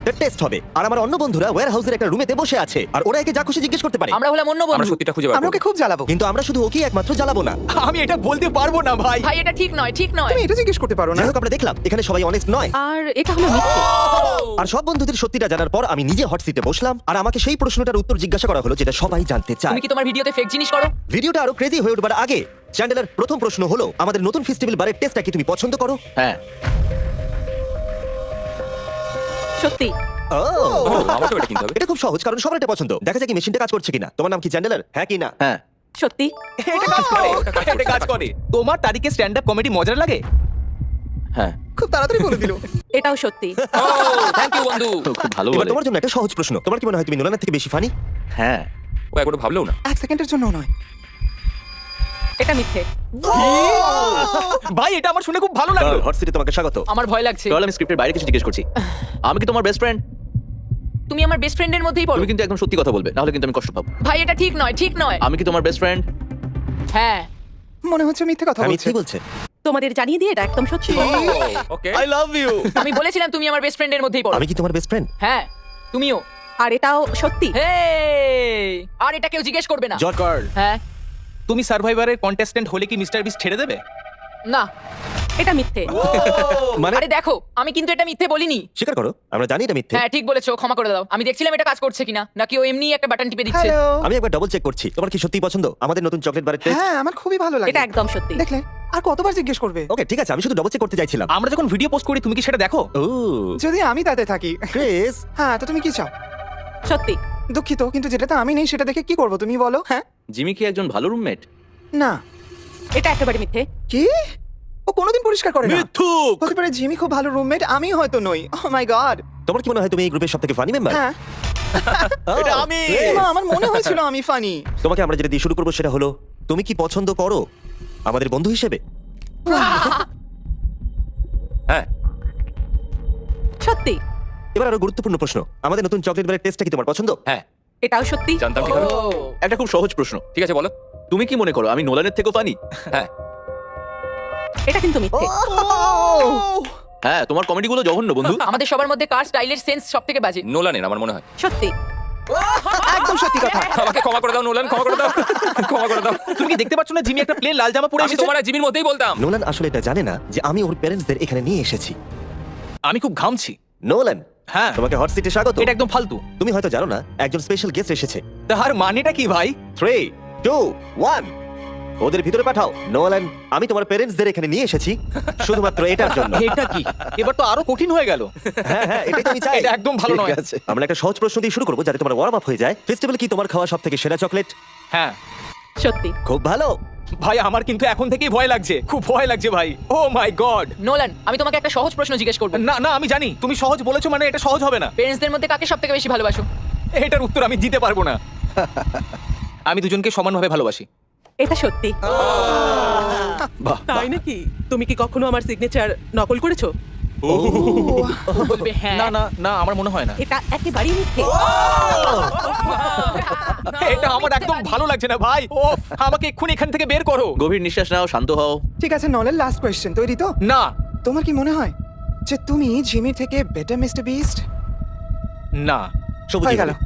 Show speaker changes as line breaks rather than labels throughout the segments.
Test হবে। আর আমার অন্য বন্ধুরা ওয়্যার হাউসের একটা রুমেতে বসে আছে আর ওরা একে যা খুশি জিজ্ঞেস করতে পারে।
আমরা হলাম অন্য
আমরা
বন্ধু।
সত্যিটা খুঁজে বার
আমরা
করব।
ওকে খুব জ্বালাবো।
কিন্তু আমরা শুধু ওকেই একমাত্র জ্বালাবো না।
আমি এটা বলতে পারবো না ভাই।
ভাই এটা ঠিক নয়, ঠিক নয়।
তুমি এটা জিজ্ঞেস করতে পারো না।
যাই হোক, আমরা দেখলাম এখানে সবাই অনেস্ট নয়।
আর এটা হলো মিথ্যে।
আর সব বন্ধুদের সত্যিটা জানার পর আমি নিজে হট সিটে বসলাম আর আমাকে সেই প্রশ্নটার উত্তর জিজ্ঞাসা করা হলো যেটা সবাই জানতে চায়।
তুমি কি তোমার ভিডিওতে ফেক জিনিস করো?
ভিডিওটা আরো ক্রেজি হয়ে উঠবার আগে চ্যান্ডেলার প্রথম প্রশ্ন হলো, আমাদের নতুন ফেস্টিভ্যাল বারের টেস্টটা কি তুমি পছন্দ করো?
হ্যাঁ।
সত্যি।
ও,
আমাকেও এটা কিনতে হবে।
এটা খুব সহজ, কারণ সবার এটা পছন্দ। দেখা যাক কি মেশিনটা কাজ করছে কিনা। তোমার নাম কি চ্যান্ডেলার? হ্যাঁ কি না?
হ্যাঁ।
সত্যি।
এটা কাজ করে। এটা কাজ করে। তোমার তারিখে স্ট্যান্ড আপ কমেডি মজার লাগে?
হ্যাঁ।
খুব তাড়াতাড়ি বলে দিল।
এটাও সত্যি।
থ্যাংক ইউ বন্ধু। খুব ভালো
এবার
বলে।
তোমার জন্য একটা সহজ প্রশ্ন। তোমার কি মনে হয় তুমি নোলানের থেকে বেশি ফানি?
হ্যাঁ। ও একবারও ভাবলেও না।
এক সেকেন্ডের জন্য নয়।
এটা মিথ্যে।
ভাই এটা আমার শুনে খুব ভালো লাগলো।
হট সিটে তোমাকে স্বাগত।
আমার ভয় লাগছে।
চল আমি স্ক্রিপ্টের বাইরে কিছু জিজ্ঞেস করছি। আমি কি তোমার বেস্ট ফ্রেন্ড?
তুমি আমার বেস্ট ফ্রেন্ডের মধ্যেই পড়ো।
তুমি কিন্তু একদম সত্যি কথা বলবে, নাহলে কিন্তু আমি কষ্ট পাবো।
ভাই এটা ঠিক নয়, ঠিক নয়।
আমি কি তোমার বেস্ট ফ্রেন্ড?
হ্যাঁ।
মনে হচ্ছে মিথ্যে কথা
আমি
বলছে।
কি বলছে?
তোমাদের জানিয়ে দিয়ে এটা একদম সত্যি।
ওকে।
I love you.
আমি বলেছিলাম তুমি আমার বেস্ট ফ্রেন্ডের মধ্যেই পড়ো।
আমি কি তোমার বেস্ট ফ্রেন্ড?
হ্যাঁ, তুমিও।
আর এটাও সত্যি।
হেই! আর এটা কেউ জিজ্ঞেস করবে না।
George Carl.
হ্যাঁ।
তুমি সার্ভাইভারের কন্টেস্ট্যান্ট হলে কি মিস্টার বিস্ট ছেড়ে দেবে?
না।
এটা মিথ্যে।
মানে
আরে দেখো, আমি কিন্তু এটা মিথ্যে বলিনি।
স্বীকার করো, আমরা জানি এটা মিথ্যে।
হ্যাঁ, ঠিক বলেছো, ক্ষমা করে দাও। আমি দেখছিলাম এটা কাজ করছে কিনা, নাকি ও এমনি একটা বাটন টিপে দিচ্ছে।
হ্যালো।
আমি একবার ডাবল চেক করছি। তোমার কি সত্যি পছন্দ আমাদের নতুন চকলেট বারের টেস্ট?
হ্যাঁ আমার খুবই ভালো লাগে।
এটা একদম সত্যি।
দেখলে আর কতবার জিজ্ঞেস করবে?
ওকে ঠিক আছে, আমি শুধু ডাবল চেক করতে চাইছিলাম।
আমরা যখন ভিডিও পোস্ট করি তুমি কি সেটা দেখো?
ও
যদি আমি তাতে থাকি।
ক্রিস,
হ্যাঁ তো তুমি কি চাও?
সত্যি।
দুঃখিত কিন্তু যেটাতে আমি নেই সেটা দেখে কি করব তুমি বলো? হ্যাঁ
জিমি কি একজন ভালো রুমমেট?
না।
এটা একেবারে মিথ্যে।
কি? ও কোনোদিন পরিষ্কার করে না।
মিথ্যুক।
হতে পারে জিমি খুব ভালো রুমমেট, আমি হয়তো নই। Oh my God.
তোমার কি মনে হয় তুমি এই গ্রুপের সবথেকে ফানি মেম্বার?
হ্যাঁ
এটা আমি।
না, আমার মনে হয়েছিল আমি ফানি।
তোমাকে আমরা যেটা দিয়ে শুরু করবো সেটা হলো, তুমি কি পছন্দ করো আমাদের বন্ধু হিসেবে?
হ্যাঁ।
সত্যি।
এবার আরো গুরুত্বপূর্ণ প্রশ্ন, আমাদের নতুন চকলেট বারের টেস্টটা কি তোমার পছন্দ?
হ্যাঁ।
এটাও সত্যি।
জানতাম কিভাবে।
ও।
একটা খুব সহজ প্রশ্ন। ঠিক আছে বলো। তুমি কি মনে করো আমি নোলানের থেকেও ফানি? হ্যাঁ।
এটা কিন্তু মিথ্যে।
হ্যাঁ, তোমার কমেডিগুলো জঘন্য বন্ধু।
আমাদের সবার মধ্যে কার স্টাইলের সেন্স সবথেকে বাজে?
নোলানের আমার মনে হয়।
সত্যি।
একদম সত্যি কথা।
আমাকে ক্ষমা করে দাও নোলান, ক্ষমা করে দাও। ক্ষমা করে দাও।
তুমি কি দেখতে পাচ্ছ না জিমি একটা প্লেন লাল জামা পরে
আমি
এসেছে?
তোমার আর জিমির মধ্যেই বলতাম।
নোলান আসলে এটা জানে না যে আমি ওর প্যারেন্টসদের এখানে নিয়ে এসেছি।
আমি খুব ঘামছি।
নোলান,
হ্যাঁ
তোমাকে হট সিটে স্বাগত।
এটা একদম ফালতু।
তুমি হয়তো জানো না একজন স্পেশাল গেস্ট এসেছে।
তার মানেটা কি ভাই?
3, 2, 1 ওদের ভিতরে পাঠাও। নোলান, আমি তোমার প্যারেন্টসদের এখানে নিয়ে এসেছি শুধুমাত্র এটার জন্য।
এটা কি? এবার তো আরো কঠিন হয়ে গেল।
হ্যাঁ হ্যাঁ, এটাই তো আমি চাই।
এটা একদম ভালো নয়।
ঠিক আছে, আমরা একটা সহজ প্রশ্ন দিয়ে শুরু করবো যাতে তোমার ওয়ার্ম আপ হয়ে যায়। ফেস্টিভ্যাল কি তোমার খাওয়া সবথেকে সেরা চকলেট?
হ্যাঁ
সত্যি।
খুব ভালো।
ভাই আমার কিন্তু এখন থেকেই ভয় লাগছে, খুব ভয় লাগছে ভাই। ও মাই গড।
নোলান, আমি তোমাকে একটা সহজ প্রশ্ন জিজ্ঞেস করব।
না না আমি জানি তুমি সহজ বলেছো মানে এটা সহজ হবে না।
পেরেন্টসদের মধ্যে কাকে সবথেকে বেশি ভালোবাসো?
এটার উত্তর আমি দিতে পারবো না। আমি দুজনকে সমানভাবে ভালোবাসি।
এটা সত্যি।
তাই নাকি? তুমি কি কখনো আমার সিগনেচার নকল করেছো?
বলবে হ্যাঁ।
না না না আমার মনে হয় না।
এটা একেবারেই মিথ্যে।
এটা আমার একদম ভালো লাগছে না ভাই। ও আমাকে এক্ষুনি এখান থেকে বের করো।
গভীর নিঃশ্বাস নাও, শান্ত হও।
ঠিক আছে নলের লাস্ট কোয়েশ্চেন, তৈরি তো?
না
তোমার কি মনে হয় যে তুমি জিমি থেকে বেটার মিস্টার বিস্ট?
না
সবুজ
হয়ে গেল।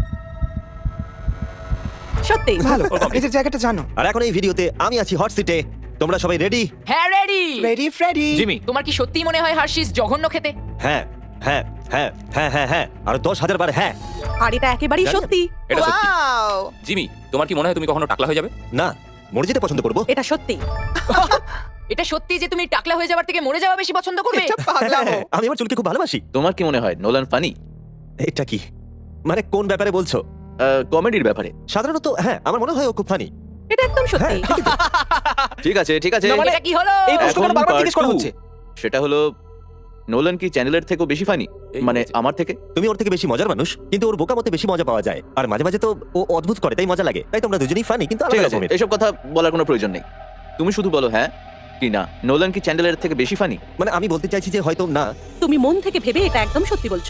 সত্যি।
ভালো, নিজের জায়গাটা জানো।
আর এখন এই ভিডিওতে আমি আছি হট সিটে। তোমরা সবাই রেডি?
হ্যাঁ, রেডি।
Ready Freddie.
জিমি
তোমার কি সত্যি মনে হয় হার্শিস জঘন্য খেতে?
হ্যাঁ হ্যাঁ হ্যাঁ হ্যাঁ হ্যাঁ হ্যাঁ আর 10,000 বার হ্যাঁ।
আর এটা একেবারেই সত্যি।
এটা সত্যি।
ওয়াও!
জিমি, তোমার কি মনে হয় তুমি কখনো টাকলা হয়ে যাবে?
না, মরে যেতে পছন্দ করবো।
এটা সত্যি।
এটা সত্যি যে তুমি টাকলা হয়ে যাওয়ার থেকে মরে যাওয়া বেশি পছন্দ করবে?
এটা পাগলামো।
হ্যাঁ, আমি আমার চুলকে খুব ভালোবাসি।
তোমার কি মনে হয় নোলান ফানি?
এটা কি মানে কোন ব্যাপারে বলছো?
কমেডির ব্যাপারে।
সাধারণত হ্যাঁ, আমার মনে হয় ও খুব ফানি।
এটা একদম সত্যি।
ঠিক আছে ঠিক আছে।
না, মানে
এটা কি হলো?
এই প্রশ্ন কেন
এখন
বারবার
part
জিজ্ঞেস করা
2
হচ্ছে?
সেটা হলো নোলান কি চ্যানেলের থেকেও বেশি ফানি? এই মানে হয়েছে। আমার থেকে?
তুমি ওর থেকে বেশি মজার মানুষ, কিন্তু ওর বোকামতে বেশি মজা পাওয়া যায়। আর মাঝে মাঝে তো ও অদ্ভুত করে, তাই মজা লাগে। তাই তোমরা দুজনেই ফানি, কিন্তু
ঠিক
আলাদা
আছে,
রকমের।
এসব কথা বলার কোনো প্রয়োজন নেই। তুমি শুধু বলো হ্যাঁ কি না। নোলান কি চ্যানেলের থেকে বেশি ফানি?
মানে আমি বলতে চাইছি যে হয়তো না।
তুমি মন থেকে ভেবে এটা একদম সত্যি বলছো।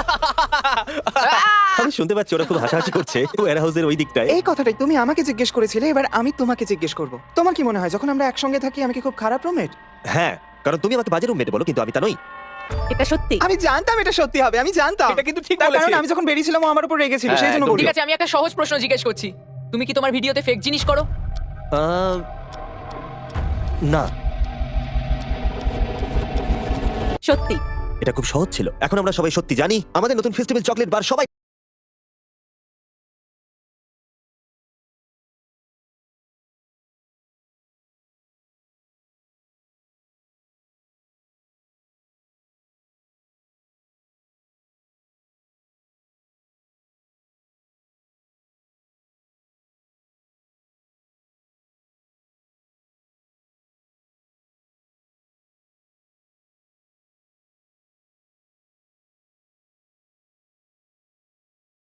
আমি শুনতে পাচ্ছি ওরা খুব হাসাহাসি করছে ওয়্যার হাউসের ওই দিকটায়।
এই কথাটাই তুমি আমাকে জিজ্ঞেস করেছিলে, এবার আমি তোমাকে জিজ্ঞেস করব। তোমার কি মনে হয় যখন আমরা একসঙ্গে থাকি আমি কি খুব খারাপ রুমমেট?
হ্যাঁ, কারণ তুমি আমাকে বাজে রুমমেট বলো, কিন্তু আমি তা নই।
এটা সত্যি।
আমি জানতাম এটা সত্যি হবে, আমি জানতাম।
এটা কিন্তু ঠিক
তার
বলেছে।
কারণ আমি যখন বেরিয়েছিলাম ও আমার উপর রেগেছিল,
হ্যাঁ,
সেই জন্য
একদম
বললো।
ঠিক আছে, আমি একটা সহজ প্রশ্ন জিজ্ঞেস করছি। তুমি কি তোমার ভিডিওতে ফেক জিনিস করো?
আহ, না,
সত্যি।
এটা খুব সহজ ছিল। এখন আমরা সবাই সত্যি জানি আমাদের নতুন ফেস্টিভ্যাল চকলেট বার সবাই